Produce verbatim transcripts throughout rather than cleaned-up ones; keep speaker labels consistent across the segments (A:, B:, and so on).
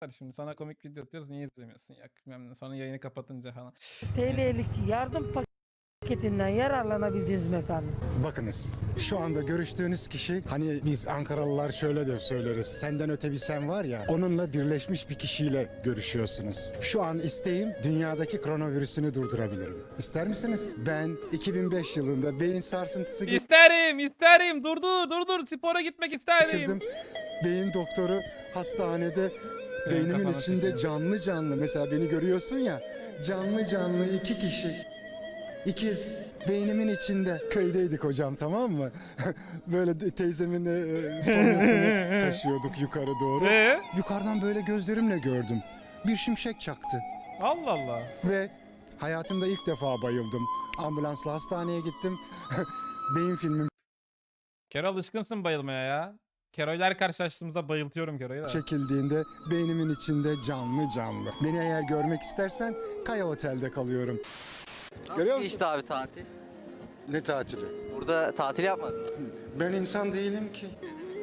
A: Şimdi sana komik video atıyoruz niye izlemiyorsun ya bilmem ne. Sonra yayını kapatınca falan.
B: T L'lik yardım paketinden yararlanabildiniz mi efendim?
C: Bakınız şu anda görüştüğünüz kişi, hani biz Ankaralılar şöyle de söyleriz, senden öte bir sen var ya, onunla birleşmiş bir kişiyle görüşüyorsunuz. Şu an isteğim dünyadaki koronavirüsünü durdurabilirim. İster misiniz? Ben iki bin beş yılında beyin sarsıntısı
A: İsterim isterim dur dur dur dur spora gitmek isterim.
C: geçirdim. Beyin doktoru hastanede
A: Senin
C: beynimin
A: kafana
C: içinde
A: sıkıyor.
C: canlı canlı, mesela beni görüyorsun ya, canlı canlı iki kişi. İkiz beynimin içinde. Köydeydik hocam, tamam mı? Böyle de- teyzemin e, sonrasını taşıyorduk yukarı doğru.
A: Ee?
C: Yukarıdan böyle gözlerimle gördüm. Bir şimşek çaktı
A: Allah Allah.
C: ve hayatımda ilk defa bayıldım. Ambulansla hastaneye gittim. Beyin filmim
A: Kero alışkınsın bayılmaya ya. Kero'yla karşılaştığımızda bayıltıyorum Kero'yu da.
C: çekildiğinde beynimin içinde canlı canlı. Beni eğer görmek istersen Kaya Otel'de kalıyorum.
D: Nasıl
C: Görüyor musun?
D: geçti abi tatil?
C: Ne tatili?
D: Burada tatil yapmadın mı?
C: Ben insan değilim ki.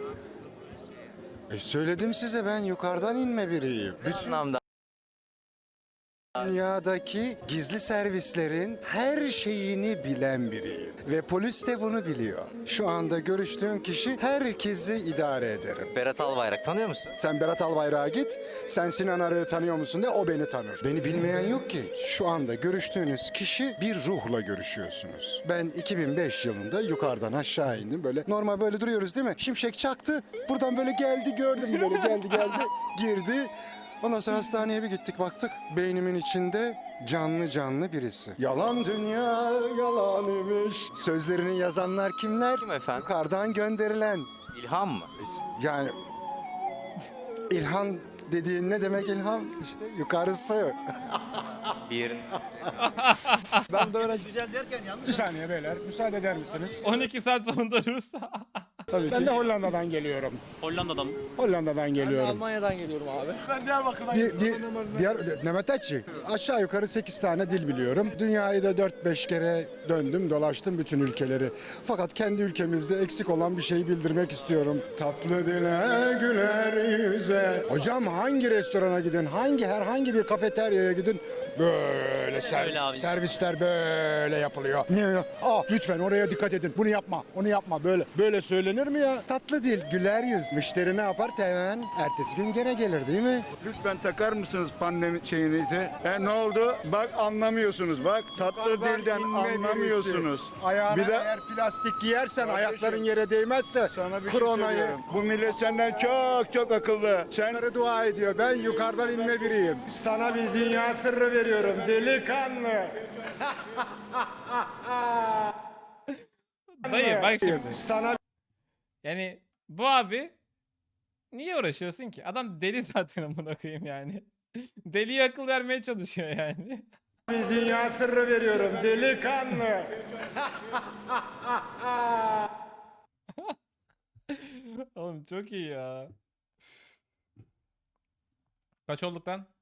C: E söyledim size, ben yukarıdan inme biriyim.
D: Ne
C: Bütün
D: anlamda?
C: dünyadaki gizli servislerin her şeyini bilen biriyim. Ve polis de bunu biliyor. Şu anda görüştüğüm kişi, herkesi idare ederim.
D: Berat Albayrak tanıyor musun?
C: Sen Berat Albayrak'a git, sen Sinan Arı'yı tanıyor musun de, o beni tanır. Beni bilmeyen yok ki. Şu anda görüştüğünüz kişi, bir ruhla görüşüyorsunuz. Ben iki bin beş yılında yukarıdan aşağı indim, böyle normal böyle duruyoruz değil mi? Şimşek çaktı, buradan böyle geldi, gördüm, böyle geldi geldi, girdi. Ondan sonra hastaneye bir gittik, baktık beynimin içinde canlı canlı birisi. Yalan dünya yalan imiş. Sözlerini yazanlar kimler?
D: Kim efendim?
C: Yukarıdan gönderilen.
D: İlham mı?
C: Yani İlhan dediğin ne demek ilham? İşte yukarısı.
D: Bir yerin.
E: Ben de öğrenci güzel derken yanlış.
C: Bir saniye beyler, müsaade eder misiniz?
A: on iki saat sonunda Rus.
C: Tabii ben de Hollanda'dan geliyorum.
E: Hollanda'dan mı?
C: Hollanda'dan geliyorum.
B: Almanya'dan geliyorum abi.
E: Ben Diyarbakır'dan
C: Bir, bir diğer Nemetetçi, aşağı yukarı sekiz tane dil biliyorum. Dünyayı da dört beş kere döndüm, dolaştım bütün ülkeleri. Fakat kendi ülkemizde eksik olan bir şeyi bildirmek istiyorum. Tatlı dile güler yüze. Hocam hangi restorana gidin, hangi herhangi bir kafeteryaya gidin, böyle ser-
E: Öyle abi.
C: servisler böyle yapılıyor. Ne ya? Aa, lütfen oraya dikkat edin. Bunu yapma, onu yapma. Böyle böyle söylenir mi ya? Tatlı dil, güler yüz. Müşteri ne yapar? Hemen ertesi gün gene gelir değil mi?
F: Lütfen takar mısınız pandemi şeyinizi? E ne oldu? Bak anlamıyorsunuz. Bak tatlı
C: Yukarıdan
F: dilden
C: inme
F: anlamıyorsunuz.
C: birisi. Ayağına
F: Bir de-
C: eğer plastik giyersen,
F: Kardeşim,
C: ayakların yere değmezse
F: Sana bir şey
C: kronayı
F: söylüyorum. Bu millet senden çok çok akıllı. Sen
C: Yukarı dua ediyor. Ben yukarıdan inme biriyim. Sana bir dünya sırrı veriyorum delikanlı.
A: Dayı bak şimdi.
C: Sana
A: Yani bu abi niye uğraşıyorsun ki? Adam deli zaten amına koyayım yani. Deliye akıl vermeye çalışıyor yani.
C: bir dünya sırrı veriyorum delikanlı.
A: Oğlum çok iyi ya. Kaç olduk lan?